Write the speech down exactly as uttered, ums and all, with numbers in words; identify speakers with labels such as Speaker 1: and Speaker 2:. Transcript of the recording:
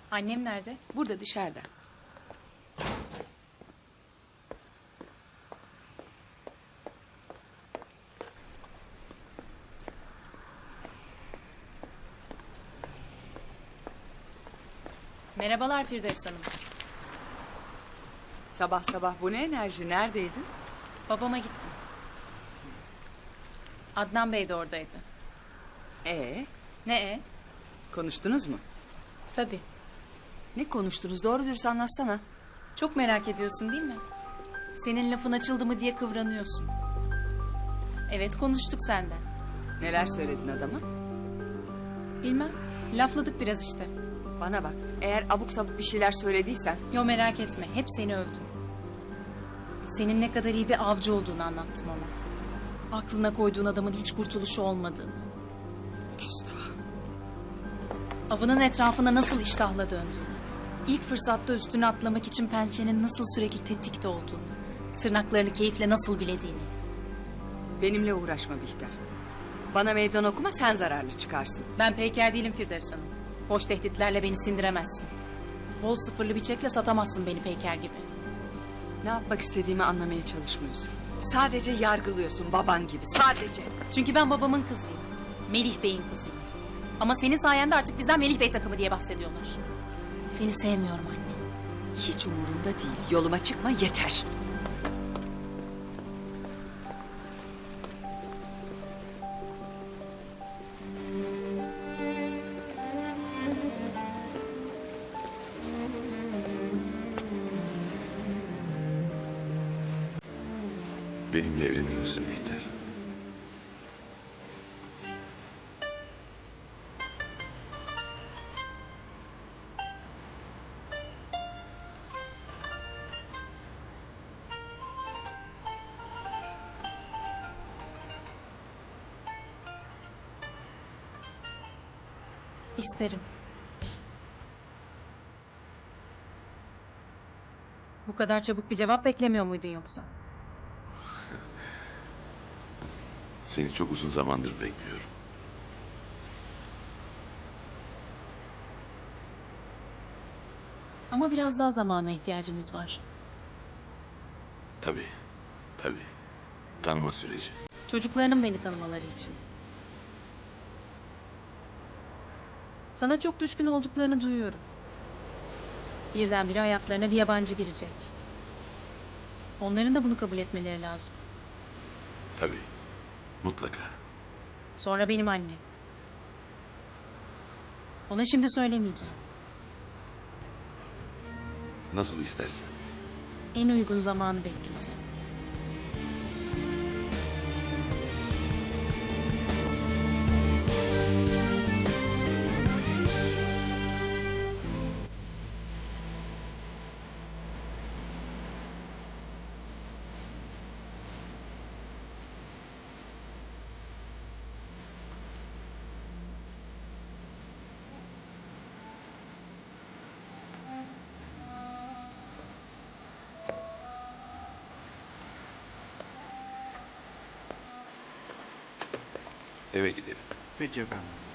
Speaker 1: Annem nerede?
Speaker 2: Burada dışarıda.
Speaker 1: Merhabalar Firdevs Hanım.
Speaker 2: Sabah sabah bu ne enerji? Neredeydin?
Speaker 1: Babama gittim. Adnan Bey de oradaydı.
Speaker 2: Ee,
Speaker 1: Ne e?
Speaker 2: konuştunuz mu?
Speaker 1: Tabii.
Speaker 2: Ne konuştunuz? Doğru dürüst anlatsana.
Speaker 1: Çok merak ediyorsun değil mi? Senin lafın açıldı mı diye kıvranıyorsun. Evet, konuştuk senden.
Speaker 2: Neler söyledin adama?
Speaker 1: Bilmem. Lafladık biraz işte.
Speaker 2: Bana bak. Eğer abuk sabuk bir şeyler söylediysen...
Speaker 1: Yo, merak etme. Hep seni övdüm. Senin ne kadar iyi bir avcı olduğunu anlattım ona. Aklına koyduğun adamın hiç kurtuluşu olmadığını.
Speaker 2: Küstah.
Speaker 1: Avının etrafına nasıl iştahla döndüğünü. İlk fırsatta üstüne atlamak için pençenin nasıl sürekli tetikte olduğunu. Tırnaklarını keyifle nasıl bilediğini.
Speaker 2: Benimle uğraşma Bihter. Bana meydan okuma, sen zararlı çıkarsın.
Speaker 1: Ben peyker değilim Firdevs Hanım. Boş tehditlerle beni sindiremezsin. Bol sıfırlı bir çekle satamazsın beni peyker gibi.
Speaker 2: Ne yapmak istediğimi anlamaya çalışmıyorsun. Sadece yargılıyorsun baban gibi, sadece.
Speaker 1: Çünkü ben babamın kızıyım. Melih Bey'in kızıyım. Ama senin sayende artık bizden Melih Bey takımı diye bahsediyorlar. Seni sevmiyorum anne.
Speaker 2: Hiç umurumda değil. Yoluma çıkma yeter.
Speaker 3: Benimle evlenir misin Bihter?
Speaker 1: İsterim. Bu kadar çabuk bir cevap beklemiyor muydun yoksa?
Speaker 3: Seni çok uzun zamandır bekliyorum.
Speaker 1: Ama biraz daha zamana ihtiyacımız var.
Speaker 3: Tabii, tabii. Tanıma süreci.
Speaker 1: Çocuklarının beni tanımaları için. Sana çok düşkün olduklarını duyuyorum. Birdenbire hayatlarına bir yabancı girecek. Onların da bunu kabul etmeleri lazım.
Speaker 3: Tabii, mutlaka.
Speaker 1: Sonra benim annem. Ona şimdi söylemeyeceğim.
Speaker 3: Nasıl istersen.
Speaker 1: En uygun zamanı bekleyeceğim.
Speaker 3: Eve gidelim.
Speaker 4: Peki efendim.